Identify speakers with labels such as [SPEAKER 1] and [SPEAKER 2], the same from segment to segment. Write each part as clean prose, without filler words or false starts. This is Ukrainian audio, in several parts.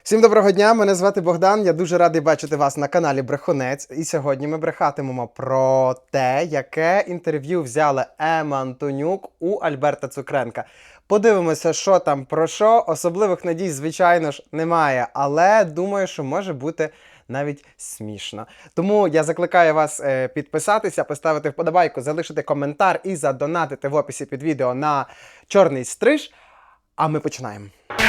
[SPEAKER 1] Всім доброго дня, мене звати Богдан, я дуже радий бачити вас на каналі Брехунець. І сьогодні ми брехатимемо про те, яке інтерв'ю взяла Ема Антонюк у Альберта Цукренка. Подивимося, що там про що. Особливих надій, звичайно ж, немає, але думаю, що може бути навіть смішно. Тому я закликаю вас підписатися, поставити вподобайку, залишити коментар і задонатити в описі під відео на чорний стриж. А ми починаємо.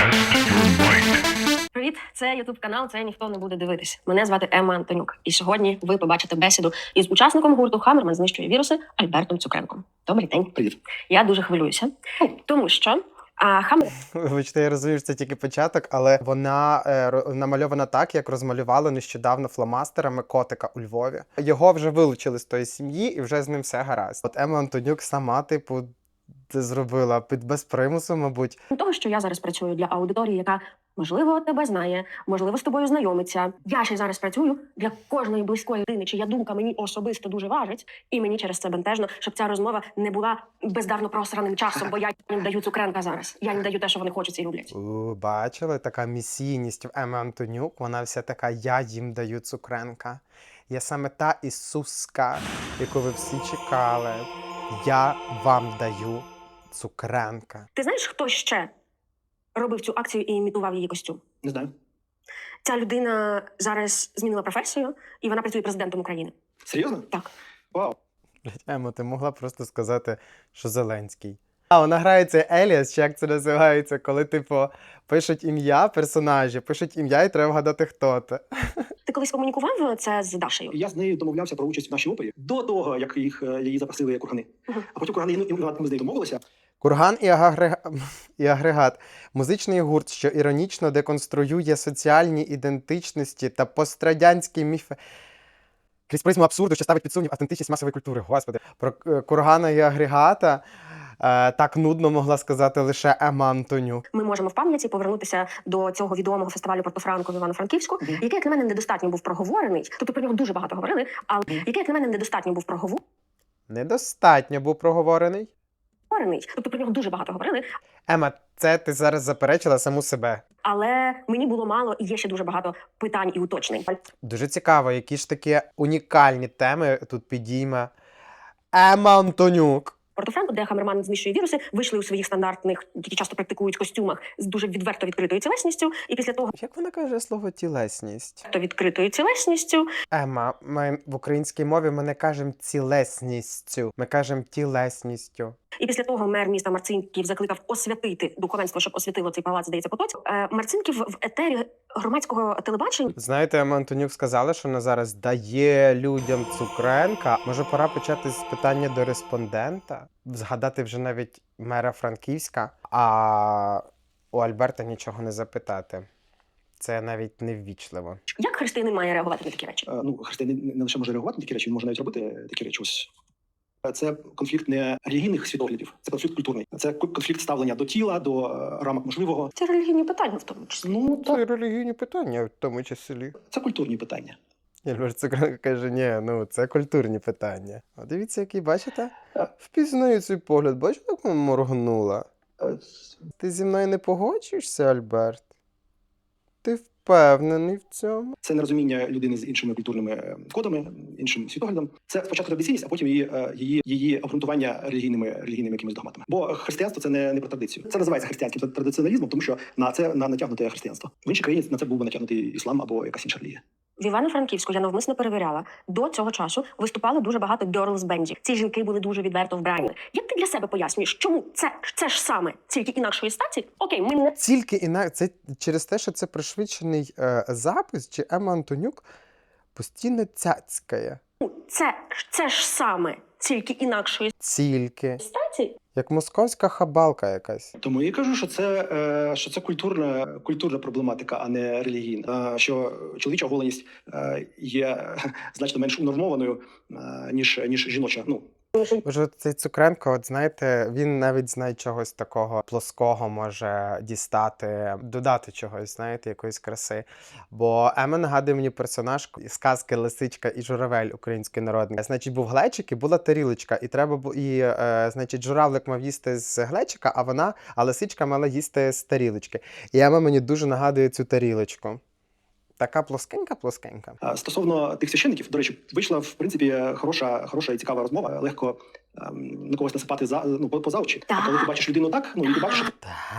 [SPEAKER 2] Привіт, це ютуб канал, це ніхто не буде дивитись. Мене звати Ема Антонюк. І сьогодні ви побачите бесіду із учасником гурту «Хаммерман знищує віруси» Альбертом Цукренком. Добрий день.
[SPEAKER 3] Привіт.
[SPEAKER 2] Я дуже хвилююся, тому що Хаммер...
[SPEAKER 1] Вибачте, я розумію, що це тільки початок, але вона намальована так, як розмалювали нещодавно фломастерами котика у Львові. Його вже вилучили з тої сім'ї і вже з ним все гаразд. От Ема Антонюк сама, типу, це зробила без примусу, мабуть.
[SPEAKER 2] того, що я зараз працюю для аудиторії, яка, можливо, тебе знає, можливо, з тобою знайомиться. Я ще зараз працюю для кожної близької людини, чия думка мені особисто дуже важить, і мені через це бентежно, щоб ця розмова не була бездарно просраним часом, бо я їм даю Цукренка зараз. Я їм даю те, що вони хочуть і люблять.
[SPEAKER 1] Бачили? Така місійність в Еми Антонюк, вона вся така «я їм даю Цукренка». Я саме та Ісуска, яку ви всі чекали. Я вам даю Цукренка.
[SPEAKER 2] Ти знаєш, хто ще робив цю акцію і імітував її костюм?
[SPEAKER 3] Не знаю.
[SPEAKER 2] Ця людина зараз змінила професію, і вона працює президентом України.
[SPEAKER 3] Серйозно?
[SPEAKER 2] Так.
[SPEAKER 3] Вау.
[SPEAKER 1] Блять, Емо, ти могла просто сказати, що Зеленський. Вона грає цей Еліас, чи як це називається, коли, типу, пишуть ім'я персонажі, пишуть ім'я і треба вгадати, хто це.
[SPEAKER 2] Ти колись комунікував це з Дашею?
[SPEAKER 3] Я з нею домовлявся про участь в нашій опері до того, як її запросили кургани. А потім кургани ми з нею домовилися.
[SPEAKER 1] Курган і агрегат – музичний гурт, що іронічно деконструює соціальні ідентичності та пострадянські міфи. Крізь призму абсурду, що ставить під сумнів автентичність масової культури. Господи. Про кургана і агрегата так нудно могла сказати лише Ема Антонюк.
[SPEAKER 2] Ми можемо в пам'яті повернутися до цього відомого фестивалю Порто-Франко в Івано-Франківську, який, як на мене, недостатньо був проговорений. Тобто про нього дуже багато говорили, але який, як на мене, недостатньо був проговорений.
[SPEAKER 1] Недостатньо був проговорений.
[SPEAKER 2] Тобто про нього дуже багато говорили,
[SPEAKER 1] Ема, це ти зараз заперечила саму себе.
[SPEAKER 2] але мені було мало і є ще дуже багато питань і уточнень.
[SPEAKER 1] Дуже цікаво, які ж такі унікальні теми тут підійме Ема Антонюк.
[SPEAKER 2] Порто-Франко, де Хаммерман знищує віруси, вийшли у своїх стандартних, які часто практикують костюмах, з дуже відверто відкритою тілесністю. І після того
[SPEAKER 1] Як вона каже слово тілесність?
[SPEAKER 2] відкритою тілесністю
[SPEAKER 1] Ема, ми в українській мові ми не кажемо цілесністю, ми кажемо тілесністю.
[SPEAKER 2] І після того мер міста Марцинків закликав освятити духовенство, щоб освятило цей палац, здається, Потоцьк. Марцинків в етері громадського телебачення.
[SPEAKER 1] Знаєте, Ема Антонюк сказала, що вона зараз дає людям Цукренка. Може, пора почати з питання до респондента? Згадати вже навіть мера Франківська, а у Альберта нічого не запитати. Це навіть неввічливо.
[SPEAKER 2] Як християнин має реагувати на такі речі?
[SPEAKER 3] Християнин не лише може реагувати на такі речі, він може навіть робити такі речі. Ось. Це конфлікт не релігійних світоглядів, це конфлікт культурний. Це конфлікт ставлення до тіла, до рамок можливого.
[SPEAKER 2] Це релігійні питання в тому числі.
[SPEAKER 1] Це релігійні питання в тому числі.
[SPEAKER 3] Це культурні питання.
[SPEAKER 1] Альберт Цукренко каже, ні, це культурні питання. А дивіться, який, бачите? Впізнаю цей погляд, бачите, як вона моргнула? Ти зі мною не погоджуєшся, Альберт? Ти впевнений в цьому?
[SPEAKER 3] Це нерозуміння людини з іншими культурними кодами, іншим світоглядом. Це спочатку традиційність, а потім її обґрунтування релігійними якимись догматами. Бо християнство це не про традицію. Це називається християнським традиціоналізмом, тому що на це натягнуте християнство. В іншій країні на це був би натягнутий іслам або якась інша релігія.
[SPEAKER 2] В Івано-Франківську я навмисно перевіряла. До цього часу виступало дуже багато girls-бендів. Ці жінки були дуже відверто вбрані. Як ти для себе пояснюєш, чому це ж саме, тільки інакшої статі? Окей, ми не...
[SPEAKER 1] Тільки це через те, що це пришвидшений запис, чи Ема Антонюк постійно цяцькає.
[SPEAKER 2] Це ж саме, тільки інакшої
[SPEAKER 1] Тільки.
[SPEAKER 2] статі?
[SPEAKER 1] Як московська хабалка якась.
[SPEAKER 3] Тому я і кажу, що це культурна проблематика, а не релігійна. Що чоловіча оголеність є значно менш унормованою, ніж жіноча.
[SPEAKER 1] Може, цей Цукренко, от знаєте, він навіть знає чогось такого плоского може дістати, додати чогось, знаєте, якоїсь краси. Бо Ема нагадує мені персонаж із сказки «Лисичка і журавель» української народної. Значить, був глечик і була тарілочка, і треба значить, журавлик мав їсти з глечика, а лисичка мала їсти з тарілочки. І Ема мені дуже нагадує цю тарілочку. Така плоскенька.
[SPEAKER 3] Стосовно тих священників, до речі, вийшла в принципі хороша і цікава розмова. Легко на когось насипати поза очі. А коли ти бачиш людину так, і ти бачиш, що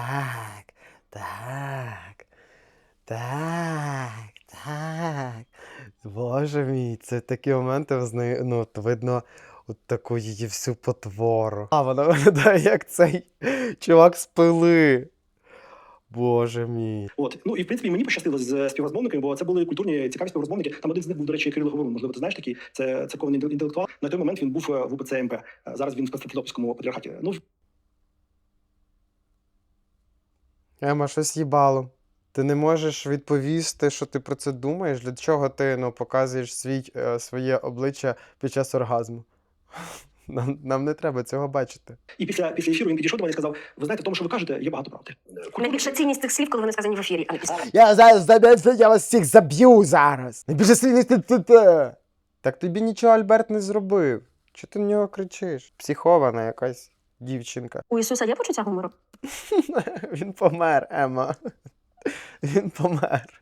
[SPEAKER 1] Так. Боже мій, це такі моменти, от видно от таку її всю потвору. А вона виглядає як цей чувак з Пили. Боже мій.
[SPEAKER 3] І в принципі мені пощастило з співрозмовниками, бо це були культурні цікаві співрозмовники. Там один з них був, до речі, Кирило Говорун. Можливо, ти знаєш такий. Це церковний інтелектуал. На той момент він був в УПЦ МП. Зараз він в Константинопольському патріархаті.
[SPEAKER 1] Ема, щось їбало. Ти не можеш відповісти, що ти про це думаєш? Для чого ти показуєш своє обличчя під час оргазму? Нам не треба цього бачити.
[SPEAKER 3] І після ефіру він підійшов до мене і сказав: ви знаєте, в тому, що ви кажете, є багато правди.
[SPEAKER 2] Найбільша цінність тих слів, коли вони сказані в ефірі, а не після.
[SPEAKER 1] Я вас всіх заб'ю зараз. Найбільше слів. Так тобі нічого Альберт не зробив. Чого ти на нього кричиш? Психована якась дівчинка.
[SPEAKER 2] У Ісуса є почуття гумору?
[SPEAKER 1] Він помер, Ема. Він помер.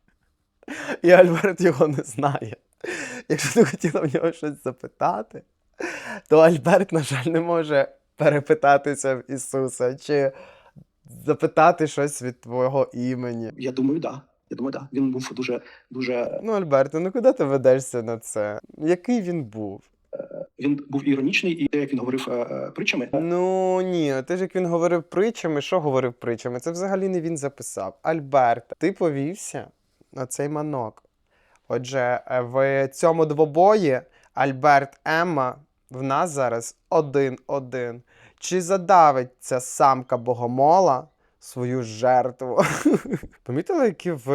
[SPEAKER 1] І Альберт його не знає. Якщо ти хотіла в нього щось запитати, то Альберт, на жаль, не може перепитатися в Ісуса чи запитати щось від твого імені.
[SPEAKER 3] Я думаю, да. Він був дуже...
[SPEAKER 1] Альберт, куди ти ведешся на це? Який він був?
[SPEAKER 3] Він був іронічний, і як він говорив притчами.
[SPEAKER 1] Ні, ти ж як він говорив притчами, що говорив притчами? Це взагалі не він записав. Альберт, ти повівся на цей манок. Отже, в цьому двобої Альберт, Емма, в нас зараз 1-1. Чи задавить ця самка богомола свою жертву? Помітили, які в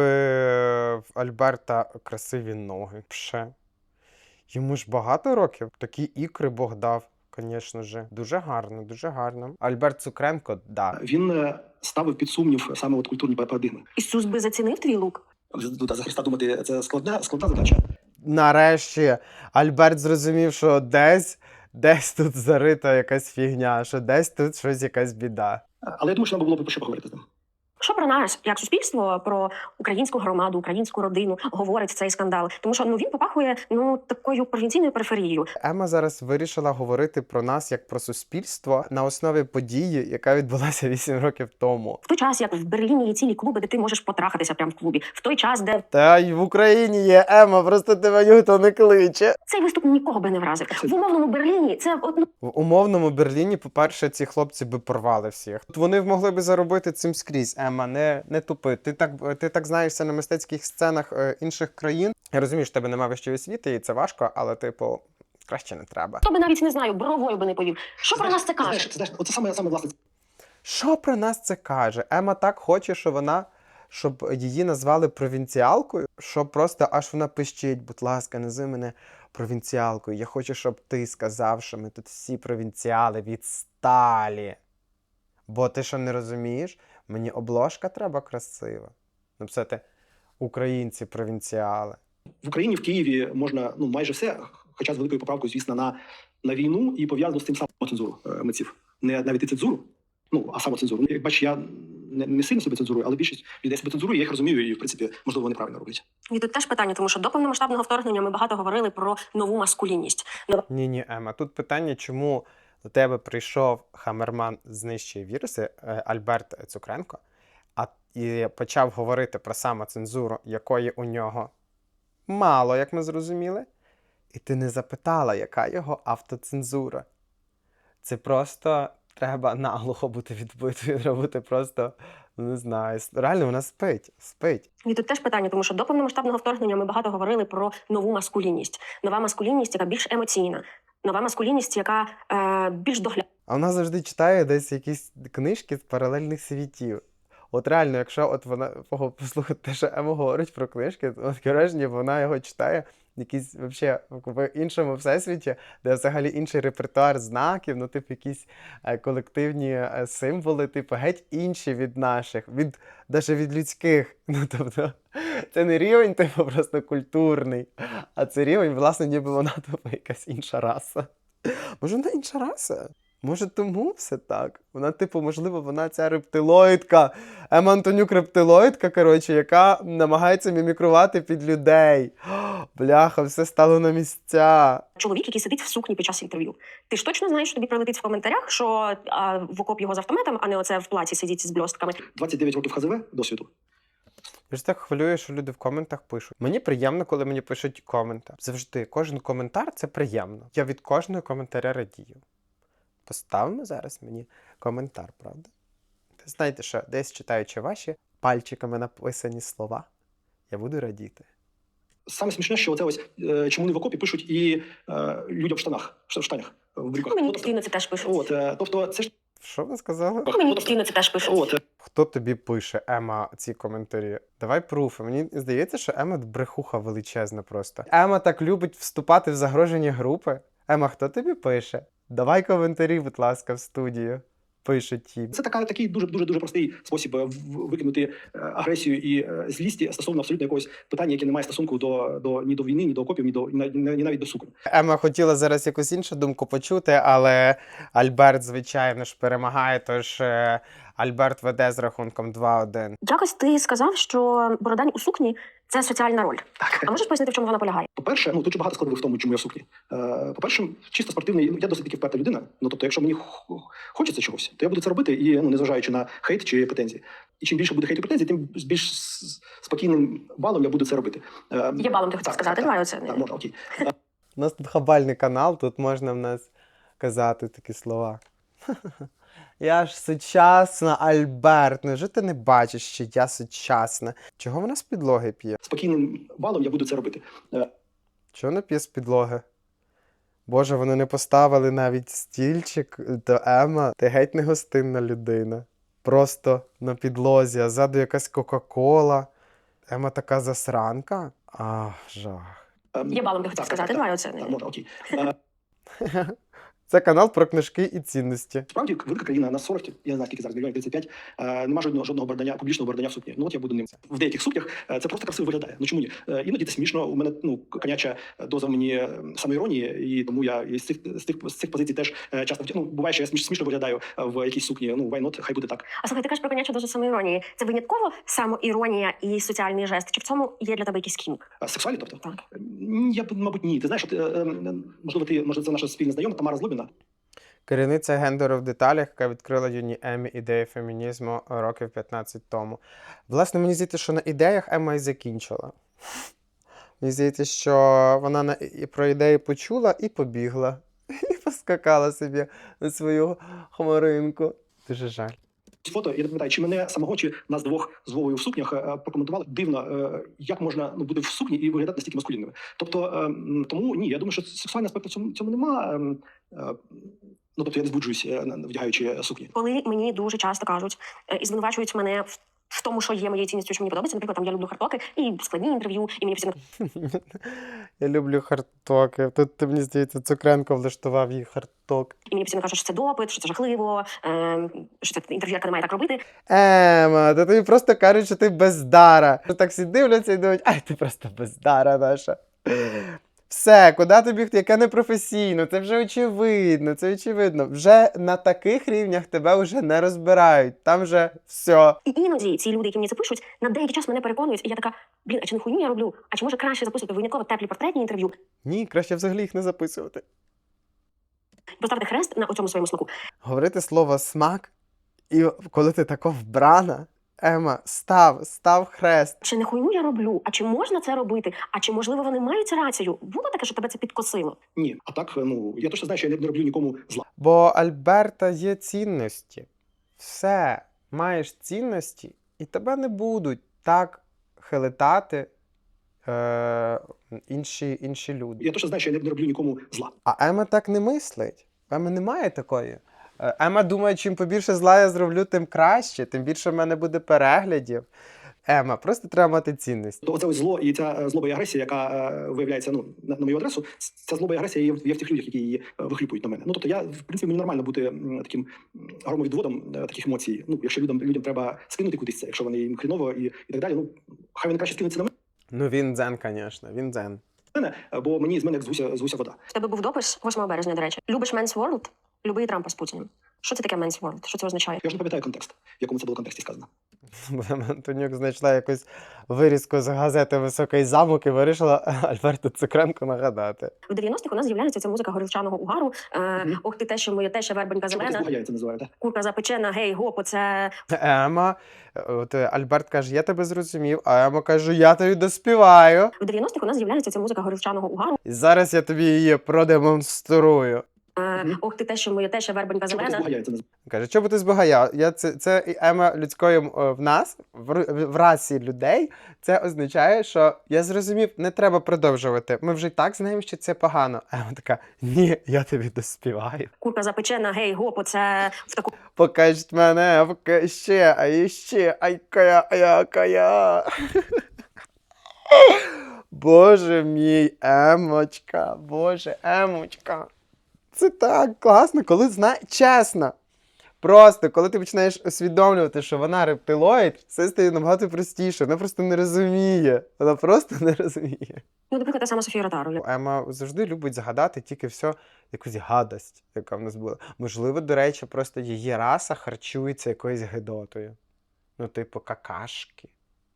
[SPEAKER 1] Альберта красиві ноги? Пше. Йому ж багато років. Такі ікри Бог дав, звісно ж. Дуже гарно, дуже гарно. Альберт Цукренко, да.
[SPEAKER 3] Він ставив під сумнів саме культурні парадигми.
[SPEAKER 2] Ісус би зацінив твій лук?
[SPEAKER 3] За Христа думати, це складна задача.
[SPEAKER 1] Нарешті Альберт зрозумів, що десь тут зарита якась фігня, що десь тут щось якась біда.
[SPEAKER 3] Але я думаю, що нам було б про що поговорити з ним.
[SPEAKER 2] Що про нас, як суспільство, про українську громаду, українську родину говорить цей скандал? Тому що він попахує такою провінційною периферією.
[SPEAKER 1] Ема зараз вирішила говорити про нас як про суспільство на основі події, яка відбулася 8 років тому.
[SPEAKER 2] В той час, як в Берліні є цілі клуби, де ти можеш потрахатися прямо в клубі. В той час, де...
[SPEAKER 1] Та й в Україні є, Ема, просто тебе ніхто не кличе.
[SPEAKER 2] Цей виступ нікого би не вразив. В умовному Берліні це...
[SPEAKER 1] В умовному Берліні, по-перше, ці хлопці би порвали всіх. Вони могли би заробити цим скрізь, Ема, не тупи. Ти так знаєшся на мистецьких сценах інших країн. Я розумію, що в тебе немає вищої освіти, і це важко, але, краще не треба.
[SPEAKER 2] Хто би навіть, не знаю, бровою би не повів. Що про нас це каже?
[SPEAKER 3] Оце саме власне.
[SPEAKER 1] Що про нас це каже? Ема так хоче, щоб її назвали провінціалкою, що просто аж вона пищить: будь ласка, назви мене провінціалкою. Я хочу, щоб ти сказав, що ми тут всі провінціали відсталі. Бо ти що не розумієш? Мені обложка треба красива. Написати «Українці-провінціали».
[SPEAKER 3] В Україні, в Києві можна майже все, хоча з великою поправкою, звісно, на війну і пов'язано з тим самим цензуру митців. Не навіть і цензуру, а самоцензуру. Як бачиш, я не сильно себе цензурую, але більшість людей себе цензурує, я їх розумію і, в принципі, можливо, вони правильно роблять.
[SPEAKER 2] І тут теж питання, тому що до повномасштабного вторгнення ми багато говорили про нову маскулінність.
[SPEAKER 1] Ні, Ема, тут питання, чому до тебе прийшов Хамерман знищує віруси, Альберт Цукренко, і почав говорити про самоцензуру, якої у нього мало, як ми зрозуміли, і ти не запитала, яка його автоцензура. Це просто треба наглухо бути відбитою, треба бути просто, не знаю, реально вона спить.
[SPEAKER 2] І тут теж питання, тому що до повномасштабного вторгнення ми багато говорили про нову маскулінність. Нова маскулінність, яка більш емоційна. Нова маскулінність, яка більш доглядна.
[SPEAKER 1] А вона завжди читає десь якісь книжки з паралельних світів. От реально, якщо вона послухати те, що Ема говорить про книжки, то враження, вона його читає якийсь вообще в іншому всесвіті, де взагалі інший репертуар знаків, ну, типу, якісь колективні символи, типу, геть інші від наших, навіть від людських. Ну, тобто, це не рівень, типу, просто культурний, а це рівень, власне, ніби вона, типу, якась інша раса. Може, вона інша раса? Може, тому все так? Вона, типу, можливо, вона ця рептилоїдка, Ема Антонюк рептилоїдка, коротше, яка намагається мімікрувати під людей. Бляха, все стало на місця.
[SPEAKER 2] Чоловік, який сидить в сукні під час інтерв'ю. Ти ж точно знаєш, що тобі прилетить в коментарях, що в окоп його з автоматом, а не оце в платі сидіть з бльостками.
[SPEAKER 3] 29 років ХЗВ досвіду.
[SPEAKER 1] Я ж так хвилюю, що люди в коментах пишуть. Мені приємно, коли мені пишуть коменти. Завжди, кожен коментар – це приємно. Я від кожного коментаря радію. Поставимо зараз мені коментар, правда? Знаєте що, десь читаючи ваші пальчиками написані слова, я буду радіти.
[SPEAKER 3] Саме смішне, що оце ось чому не в окопі пишуть і людям в штанах, в брюках.
[SPEAKER 2] Мені
[SPEAKER 3] Ну,
[SPEAKER 2] постійно це теж пишуть.
[SPEAKER 3] тобто це ж
[SPEAKER 1] Що ви сказали?
[SPEAKER 2] Мені постійно це теж пишуть.
[SPEAKER 1] Хто тобі пише, Ема, ці коментарі? Давай пруфи. Мені здається, що Ема брехуха величезна просто. Ема так любить вступати в загрожені групи. Ема, хто тобі пише? Давай коментарі, будь ласка, в студію. Пишуть ті.
[SPEAKER 3] Це такий дуже простий спосіб викинути агресію і злість стосовно абсолютно якогось питання, яке не має стосунку ні до війни, ні до окопів, ні навіть до суконь.
[SPEAKER 1] Ема хотіла зараз якусь іншу думку почути, але Альберт, звичайно ж, перемагає, тож Альберт веде з рахунком 2-1.
[SPEAKER 2] Якось ти сказав, що Бородань у сукні – це соціальна роль.
[SPEAKER 3] Так.
[SPEAKER 2] А можеш пояснити, в чому вона полягає?
[SPEAKER 3] По-перше, тут же багато складових в тому, чому я в сукні. По-перше, чисто спортивний, я досить таки вперта людина. Ну, тобто, якщо мені хочеться чогось, то я буду це робити, і незважаючи на хейт чи претензії. І чим більше буде хейту і претензій, тим з більш спокійним балом я буду це робити.
[SPEAKER 2] Є балом, ти хотів сказати? Давай оце.
[SPEAKER 3] Так, можна, окей.
[SPEAKER 1] У нас тут хабальний канал, тут можна в нас казати такі слова. Я ж сучасна, Альберт. Невже ти не бачиш, що я сучасна? Чого вона з підлоги п'є?
[SPEAKER 3] Спокійним балом я буду це робити.
[SPEAKER 1] Чого вона п'є з підлоги? Боже, вони не поставили навіть стільчик до Ема. Ти геть не гостинна людина. Просто на підлозі, а ззаду якась Кока-Кола. Ема така засранка? Ах, жах.
[SPEAKER 2] Є балом, ти хотів сказати? Давай оце.
[SPEAKER 3] Так, можна, окей.
[SPEAKER 1] Це канал про книжки і цінності.
[SPEAKER 3] Справді, велика країна, на 40, я не знаю, скільки зараз, мільйонів 35, нема жодного бордання, публічного бордання в сукні. Ну, от я буду ним. В деяких сукнях це просто красиво виглядає. Ну, чому ні? Іноді це смішно, у мене, коняча доза мені самоіронії, і тому я з цих позицій теж часто, буває, що я смішно виглядаю в якійсь сукні, why not, хай буде так.
[SPEAKER 2] А слухай, ти кажеш про конячу дозу самоіронії. Це винятково самоіронія і соціальний жест? Чи в цьому є для тебе якийсь кінк?
[SPEAKER 3] Сексуальні, тобто?
[SPEAKER 2] Так.
[SPEAKER 3] Я б, мабуть, ні. Ти знаєш, може, це наша спільна знайома Тамара Злобіна.
[SPEAKER 1] Керівниця гендеру в деталях, яка відкрила юній Емі ідеї фемінізму років 15 тому. Власне, мені здається, що на ідеях Ема і закінчила. Мені здається, що вона про ідеї почула і побігла. І поскакала собі на свою хмаринку. Дуже жаль.
[SPEAKER 3] Фото, я не пам'ятаю, чи мене самого, чи нас двох з Вовою в сукнях прокоментували дивно, як можна бути в сукні і виглядати настільки маскулінними. Тобто, тому ні, я думаю, що сексуальний аспект в цьому нема. Тобто я не збуджуюсь, вдягаючи сукні.
[SPEAKER 2] Коли мені дуже часто кажуть і звинувачують мене в тому, що є моєю цінністю, що мені подобається, наприклад, там я люблю хардтоки і складні інтерв'ю, і мені постійно
[SPEAKER 1] Я люблю хардтоки. Тут, мені здається, Цукренко влаштував їй хардток.
[SPEAKER 2] кажуть, що це допит, що це жахливо, що це інтерв'юерка не має так робити.
[SPEAKER 1] Ема, та тобі просто кажуть, що ти бездара. Так всі дивляться і думають, ай, ти просто бездара наша. Все, куди тобі, яке непрофесійно, це вже очевидно, це очевидно. Вже на таких рівнях тебе вже не розбирають, там вже все.
[SPEAKER 2] І іноді ці люди, які мені це пишуть, на деякий час мене переконують, і я така, а чи не хуйню я роблю? А чи може краще записувати винятково теплі портретні інтерв'ю?
[SPEAKER 1] Ні, краще взагалі їх не записувати.
[SPEAKER 2] Поставити хрест на цьому своєму смаку.
[SPEAKER 1] Говорити слово «смак», і коли ти тако вбрана, Ема, став хрест.
[SPEAKER 2] Чи не хуйню я роблю? А чи можна це робити? А чи, можливо, вони мають рацію? Було таке, що тебе це підкосило?
[SPEAKER 3] Ні, а так, я точно знаю, що я не роблю нікому зла.
[SPEAKER 1] Бо Альберта є цінності. Все, маєш цінності, і тебе не будуть так хилитати інші люди.
[SPEAKER 3] Я точно знаю, що я не роблю нікому зла.
[SPEAKER 1] А Ема так не мислить. Ема немає такої. Ема думає, чим побільше зла я зроблю, тим краще, тим більше в мене буде переглядів. Ема, просто треба мати цінність.
[SPEAKER 3] То оце ось зло і ця злоба і агресія, яка виявляється на мою адресу, ця злоба і агресія є в тих людях, які її вихлюпують на мене. Ну тобто я, в принципі, мені нормально бути таким громовідводом таких емоцій. Ну, якщо людям треба скинути кудись це, якщо вони їм хріново і так далі, ну хай вони краще скинуться на
[SPEAKER 1] Ну він дзен, звісно, він дзен.
[SPEAKER 3] мене, бо мені з мене як з гуся вода.
[SPEAKER 2] В тебе був допис 8 березня, до речі. Любиш Men's World? Люби і Трампа з Путіним. Що це таке Men's World? Що це означає?
[SPEAKER 3] Я ж не пам'ятаю контекст, в якому це було контексті сказано.
[SPEAKER 1] Антонюк знайшла якусь вирізку з газети «Високий замок» і вирішила Альберту Цукренку нагадати.
[SPEAKER 2] В 90-х у нас з'являється ця музика горілчаного угару. Ох ти те, що моє те, що вербенька
[SPEAKER 3] Що
[SPEAKER 2] зелена.
[SPEAKER 3] я це називаю, так?
[SPEAKER 2] Курка запечена, гей, гоп, оце...
[SPEAKER 1] Ема, от Альберт каже, я тебе зрозумів, а Ема каже, я тобі доспіваю.
[SPEAKER 2] В 90-х у нас з'являється ця музика горілчаного угару.
[SPEAKER 1] І зараз я тобі її продемонструю.
[SPEAKER 2] Ох ти те, що моє те, що вербенька
[SPEAKER 3] Що
[SPEAKER 2] зелена.
[SPEAKER 3] я це називаю?
[SPEAKER 1] Каже, чого би ти збагаяв? Це і Ема людської в нас, в расі людей, це означає, що я зрозумів, не треба продовжувати. Ми вже й так знаємо, що це погано. А Ема така, ні, я тобі доспіваю.
[SPEAKER 2] Курка запечена, гей, гоп, оце в таку
[SPEAKER 1] Покажіть мене, поки ще, а іще, ай-кая. Боже мій, Емочка, боже, Емочка. Це так класно, коли чесно. Просто, коли ти починаєш усвідомлювати, що вона рептилоїд, все стає набагато простіше. Вона просто не розуміє. Вона просто не розуміє.
[SPEAKER 2] Ну, наприклад, та сама Софія Ротару.
[SPEAKER 1] Ема завжди любить згадати тільки все, якусь гадость, яка в нас була. Можливо, до речі, просто її раса харчується якоюсь гидотою. Ну, типу, какашки.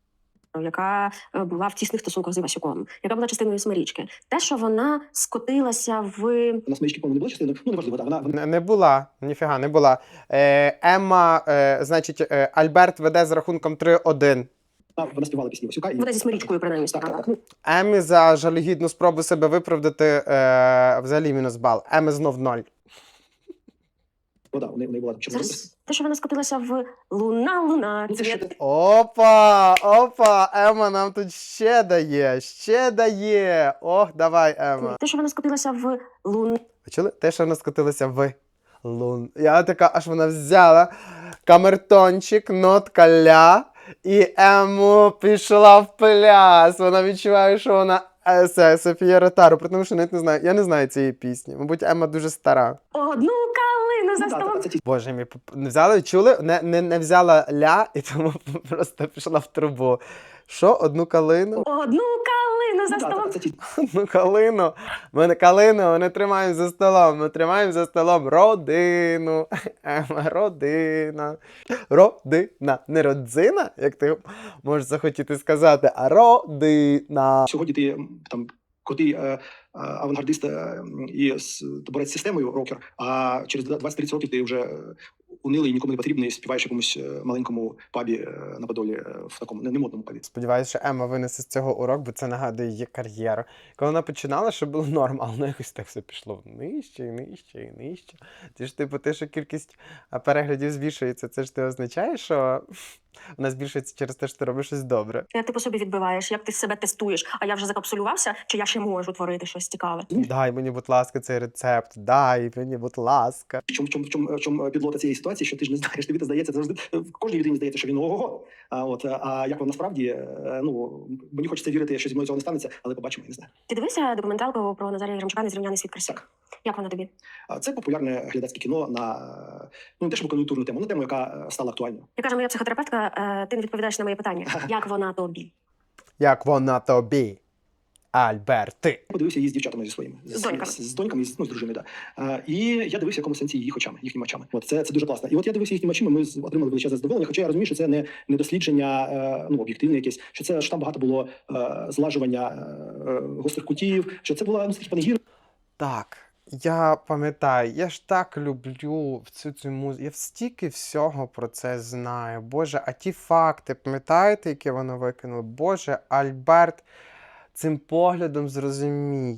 [SPEAKER 2] Яка була в тісних стосунках з Івасюком, яка була частиною Смирічки. Те, що вона скотилася в...
[SPEAKER 3] На смички, по-моєму, не було частини. Ну, неважливо, так. Вона
[SPEAKER 1] Не була, ніфіга, не була. Ема, значить, Альберт веде з рахунком 3-1.
[SPEAKER 3] вона співала пісні Васюка. І...
[SPEAKER 2] Вона зі Смирічкою, принаймні, співала.
[SPEAKER 1] Емі за жалюгідну спробу себе виправдати взагалі мінус бал. Еми знов 0.
[SPEAKER 3] Вода, у неї була там чорна.
[SPEAKER 2] Зараз те, що вона скотилася в луна,
[SPEAKER 3] Ну, це ще
[SPEAKER 2] цвіт.
[SPEAKER 1] Опа, Ема нам тут ще дає. Ох, давай, Ема.
[SPEAKER 2] Те, що вона скотилася в лун...
[SPEAKER 1] Почули? Те, що вона скотилася в лун. Я така, аж вона взяла камертончик, нотка ля, і Ему пішла в пляс. Вона відчуває, що вона Софія Ротару, при тому, що навіть не знаю, я не знаю цієї пісні. Мабуть, Ема дуже стара.
[SPEAKER 2] Одну калину за
[SPEAKER 3] Ну,
[SPEAKER 2] столом.
[SPEAKER 3] це ті
[SPEAKER 1] Боже мій, не взяли, чули? Не взяла ля, і тому просто пішла в трубу. Що? Одну калину?
[SPEAKER 2] Одну калину за столом.
[SPEAKER 3] це ті
[SPEAKER 1] Одну калину. Ми не тримаємо за столом. Ми тримаємо за столом родину. Ема, родина. Родина. Не родзина, як ти можеш захотіти сказати, а родина.
[SPEAKER 3] Сьогодні ти там крутий авангардист і борець з системою рокер, а через 20-30 років ти вже унилий і нікому не потрібний, співаєш в якомусь маленькому пабі на Подолі, в такому немодному пабі.
[SPEAKER 1] Сподіваюся, що Ема винесе з цього урок, бо це нагадує її кар'єру. Коли вона починала, що було норм, але воно якось так все пішло нижче, і нижче, і нижче. Це ж типу те, що кількість переглядів збільшується, це ж ти означає, що вона збільшується через те, що ти робиш щось добре.
[SPEAKER 2] Як ти по собі відбиваєш, як ти себе тестуєш, а я вже закапсулювався, чи я ще можу творити щось цікаве?
[SPEAKER 1] Дай мені, будь ласка, цей рецепт, дай мені, будь ласка.
[SPEAKER 3] В чому підлота цієї ситуації, що ти ж не знаєш, тобі це здається, це завжди кожній людині здається, що він ого-го. А як воно насправді, ну мені хочеться вірити, що зі мною цього не станеться, але побачимо, я не знаю.
[SPEAKER 2] Ти дивився документалку про Назарія Єремчука «Незрівняний світ красі»?
[SPEAKER 3] Так.
[SPEAKER 2] Як вона тобі?
[SPEAKER 3] Це популярне глядацьке кіно на не те, щоб кон'юнктурну тему, на тему, яка стала актуальною.
[SPEAKER 2] Я кажу, моя психотерапевтка, ти не відповідаєш на моє питання. Як вона тобі?
[SPEAKER 1] Як вона тобі, Альберти?
[SPEAKER 3] Подивився її з дівчатами зі своїми
[SPEAKER 2] З доньками.
[SPEAKER 3] з доньками, з дружиною. Да. І я дивився в якому сенсі їх очами, їхніми очами. Це дуже класно. І от я дивився їхніми очима, ми отримали величезне задоволення. Хоча я розумію, що це не дослідження, об'єктивне якесь, що там багато було злажування гострих кутів, що це була такий панегір.
[SPEAKER 1] Так, я пам'ятаю, я ж так люблю цю музику, я стільки всього про це знаю. Боже, а ті факти, пам'ятаєте, які воно викинуло? Боже, Альберт цим поглядом зрозумій,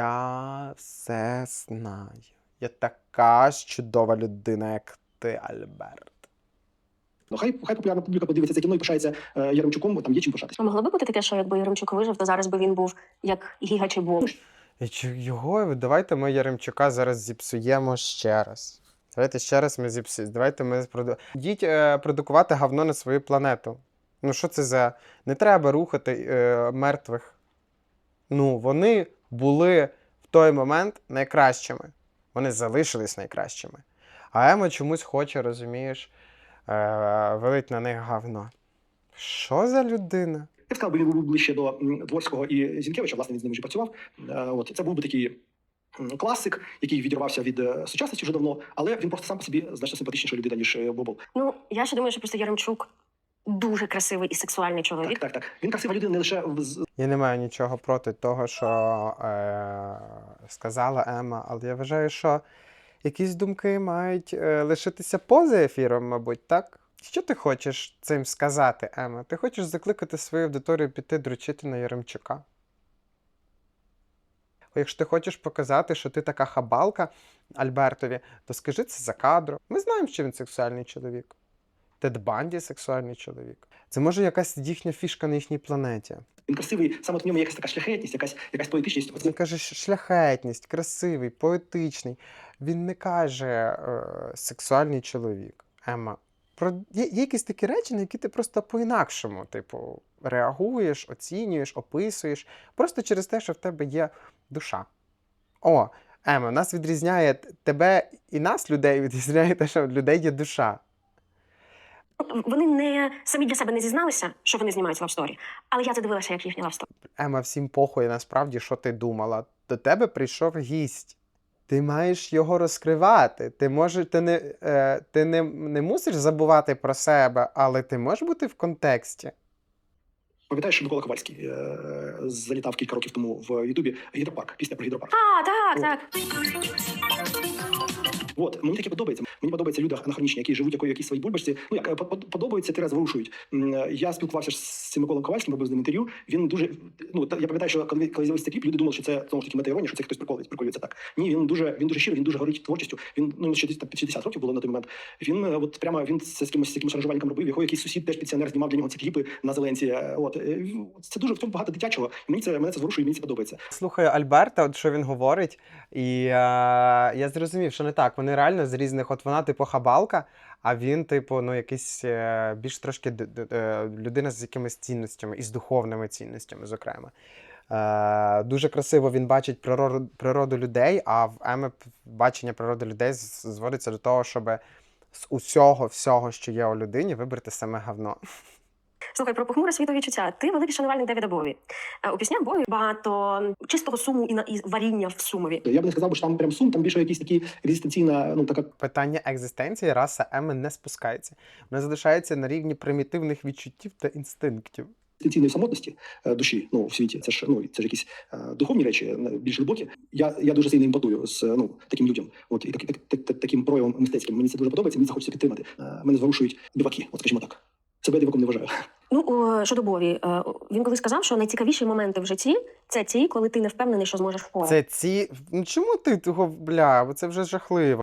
[SPEAKER 1] я все знаю. Я така ж чудова людина, як ти, Альберт.
[SPEAKER 3] Ну, хай популярна публіка подивиться це кіно і пишається Яремчуком, бо там є чим пишатися.
[SPEAKER 2] А могло би бути таке, що якби Єремчук вижив, то зараз би він був як Гіга чи Бог?
[SPEAKER 1] Його, давайте ми Яремчука зараз зіпсуємо ще раз. Давайте ще раз ми зіпсуємо. Давайте ми Йдіть продукувати говно на свою планету. Ну що це за... Не треба рухати мертвих. Ну, вони були в той момент найкращими. Вони залишились найкращими. А Ема чомусь хоче, розумієш, вилить на них говно. Що за людина?
[SPEAKER 3] Я б сказав, би він був ближче до Дворського і Зінкевича, власне, він з ними вже працював. От це був би такий класик, який відірвався від сучасності вже давно, але він просто сам по собі значно симпатичніша людина, ніж Бобол.
[SPEAKER 2] Ну, я ще думаю, що просто Яремчук дуже красивий і сексуальний чоловік.
[SPEAKER 3] Так. Він красива людина не лише
[SPEAKER 1] Я не маю нічого проти того, що сказала Ема, але я вважаю, що якісь думки мають лишитися поза ефіром, мабуть, так? Що ти хочеш цим сказати, Ема? Ти хочеш закликати свою аудиторію піти дрочити на Яремчука? Якщо ти хочеш показати, що ти така хабалка Альбертові, то скажи це за кадром. Ми знаємо, що він сексуальний чоловік. Тед Банді сексуальний чоловік. Це може якась їхня фішка на їхній планеті.
[SPEAKER 3] він красивий, саме от в ньому якась така шляхетність, якась поетичність.
[SPEAKER 1] Він каже шляхетність, красивий, поетичний. Він не каже сексуальний чоловік. Ема, є якісь такі речі, на які ти просто по-інакшому, типу, реагуєш, оцінюєш, описуєш, просто через те, що в тебе є душа. О, Ема, нас відрізняє тебе і нас, людей, відрізняє те, що в людей є душа.
[SPEAKER 2] Вони не самі для себе не зізналися, що вони знімають лавсторі, але я це дивилася, як їхня лавсторі.
[SPEAKER 1] Ема, всім похуй насправді, що ти думала. До тебе прийшов гість. Ти маєш його розкривати. Ти не мусиш забувати про себе, але ти можеш бути в контексті.
[SPEAKER 3] Пам'ятаєш, що Микола Ковальський залітав кілька років тому в Ютубі гідропарк, пісня про гідропарк.
[SPEAKER 2] Так.
[SPEAKER 3] От, мені таке подобається. Мені подобаються люди анахронічні, які живуть якоїсь своїй бульбашці. Ну, як подобаються, тираз ворушують. Я спілкувався з цим Миколою Ковальським, робив з ним інтерв'ю. Він дуже, ну, я пам'ятаю, що коли з'явився цей кліп, люди думали, що це, знову ж таки, мета-іронія, що це хтось приколюється так. Ні, він дуже щирий, він дуже горить творчістю. Він, ну, ще десь там 60 років було на той момент. Він, от прямо, він це з якимось аранжувальником робив, його якийсь сусід, теж пенсіонер, знімав для нього ці кліпи на Зеленці. От, це дуже в цьому багато дитячого. І мене це зворушує, мені це подобається.
[SPEAKER 1] Слухаю Альберта, от що він говорить, і я зрозумів, що не так. Вони реально з різних, от вона типу хабалка, а він типу, ну якийсь більш трошки людина з якимись цінностями, і з духовними цінностями, зокрема. Дуже красиво він бачить природу людей, а в Еми бачення природи людей зводиться до того, щоб з всього, що є у людині, вибрати саме говно.
[SPEAKER 2] Слухай, про похмуре світові чуття. Ти великий шанувальник Девіда Бові. У піснях Бові багато чистого суму і варіння в сумові.
[SPEAKER 3] Я б не сказав, що там прям сум, там більше якісь такі екзистенційна, ну, така...
[SPEAKER 1] Питання екзистенції раса Еми не спускається. Вона залишається на рівні примітивних відчуттів та інстинктів.
[SPEAKER 3] Екзистенційної самотності душі, ну, в світі. Це ж якісь духовні речі, більш глибокі. Я дуже сильно імпатую з таким людям. От, і таким проявом мистецьким. Мені це дуже подобається, мені це хочеться підтримати. Мене зворушують диваки, от скажімо так. Себе диваком не вважаю.
[SPEAKER 2] Ну, щодо Бові, він колись сказав, що найцікавіші моменти в житті – це ті, коли ти не впевнений, що зможеш впоратися.
[SPEAKER 1] Ну чому ти того, бо це вже жахливо.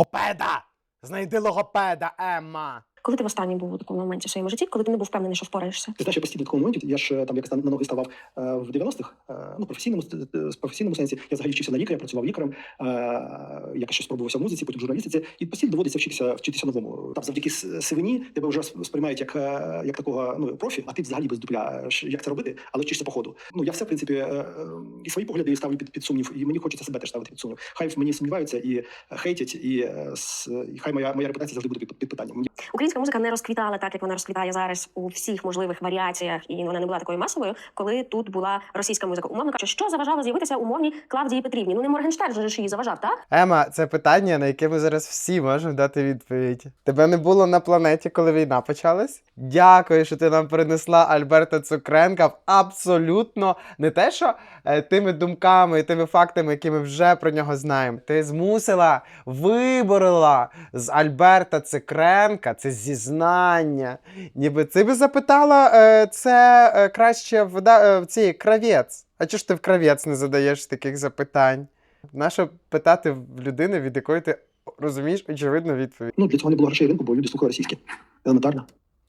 [SPEAKER 1] Знайди логопеда, Емма!
[SPEAKER 2] Коли ти востаннє був у такому моменті в своєму житті, коли ти не був впевнений, що впораєшся?
[SPEAKER 3] Ти знаєш, я постійно в такому моменті, я ж там якось на ноги ставав в 90-х, ну, професійному сенсі. Я взагалі вчився на лікаря, працював лікарем, якось щось спробувався в музиці, потім в журналістиці, і постійно доводиться вчитися новому. Там завдяки сивині тебе вже сприймають як такого, ну, профі, а ти взагалі без дупля, як це робити, але вчишся по ходу. Ну, я все, в принципі, і свої погляди ставлю під сумнів, і мені хочеться себе теж ставити під сумнів. Хай в мені сумніваються і хейтять, і хай моя репутація завжди буде під питанням.
[SPEAKER 2] Українська музика не розквітала так, як вона розквітає зараз у всіх можливих варіаціях, і вона не була такою масовою, коли тут була російська музика. Умовно кажучи, що заважало з'явитися умовній Клавдії Петрівні? Ну, не Моргенштерн же ж її заважав, так?
[SPEAKER 1] Ема, це питання, на яке ми зараз всі можемо дати відповідь. Тебе не було на планеті, коли війна почалась? Дякую, що ти нам принесла Альберта Цукренка в абсолютно не те, що тими думками і тими фактами, які ми вже про нього знаємо. Ти змусила, виборола з Альберта Цукренка це зізнання. Ніби ти би запитала це краще в цій кравець. А чого ж ти в кравець не задаєш таких запитань? Нащо питати в людини, від якої ти розумієш очевидну відповідь?
[SPEAKER 3] Ну, для цього не було грошей ринку, бо люди слухали російське. Елементарно.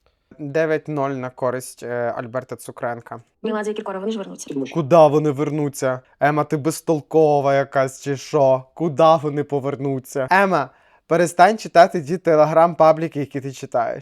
[SPEAKER 1] 9-0 на користь Альберта Цукренка.
[SPEAKER 2] Меладзе і Кіркоров, вони ж вернуться.
[SPEAKER 1] Куда вони вернуться? Ема, ти безтолкова якась чи що? Куда вони повернуться? Ема, перестань читати ті телеграм-пабліки, які ти читаєш.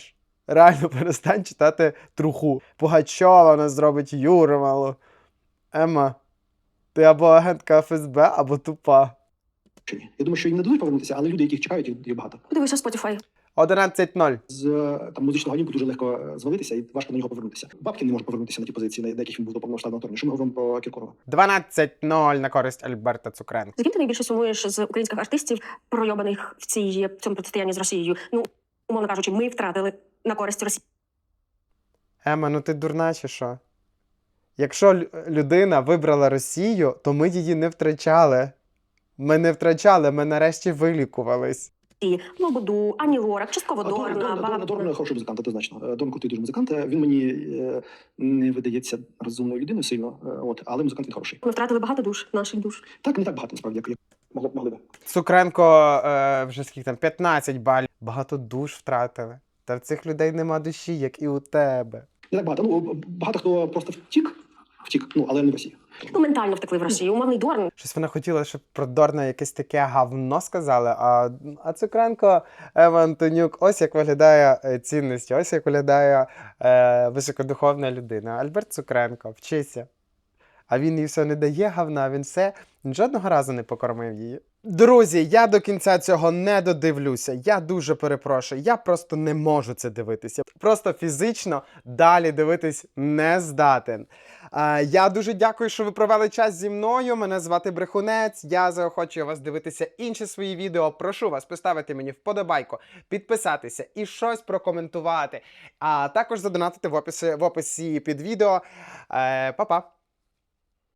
[SPEAKER 1] Реально перестань читати труху. Пугачова нас зробить Юрмалу. Ема, ти або агентка ФСБ, або тупа.
[SPEAKER 3] Я думаю, що їм не дадуть повернутися, але люди, яких чекають, їх багато.
[SPEAKER 2] Подивися Spotify.
[SPEAKER 1] 11:0.
[SPEAKER 3] З там музичного гнівку дуже легко звалитися і важко на нього повернутися. Бабкін не може повернутися на ті позиції, на яких він був до повномасштабного вторгнення. Що ми говоримо про Кіркорова?
[SPEAKER 1] 12:0 на користь Альберта Цукренка.
[SPEAKER 2] З ким ти найбільше сумуєш з українських артистів, пройобаних в цьому протистоянні з Росією? Ну, умовно кажучи, ми втратили на користь Росії.
[SPEAKER 1] Ема, ну ти дурна чи що? Якщо людина вибрала Росію, то ми її не втрачали. Ми не втрачали, ми нарешті вилікувались.
[SPEAKER 2] Лободу, Ані Лорак, частково Дорна,
[SPEAKER 3] Дорна хороший музикант, однозначно. Дорн крутий дуже музикант. Він мені не видається розумною людиною сильно, але музикант він хороший.
[SPEAKER 2] Ми втратили багато душ, наших душ.
[SPEAKER 3] Так, не так багато, насправді, як могли би.
[SPEAKER 1] Цукренко вже скільки там, 15 балів. Багато душ втратили. Та в цих людей нема душі, як і у тебе.
[SPEAKER 3] Не так багато. Багато хто просто втік, але не в Росії.
[SPEAKER 2] Ну, ментально втекли в Росію. Умовний Дорн.
[SPEAKER 1] Щось вона хотіла, щоб про Дорна якесь таке гавно сказали, а Цукренко, Ема Антонюк, ось як виглядає цінності, ось як виглядає високодуховна людина. Альберт Цукренко, вчися. А він їй все не дає гавна, він жодного разу не покормив її. Друзі, я до кінця цього не додивлюся. Я дуже перепрошую. Я просто не можу це дивитися. Просто фізично далі дивитись не здатен. Я дуже дякую, що ви провели час зі мною. Мене звати Брехунець. Я заохочую вас дивитися інші свої відео. Прошу вас поставити мені вподобайку, підписатися і щось прокоментувати. А також задонатити в описі під відео. Па-па!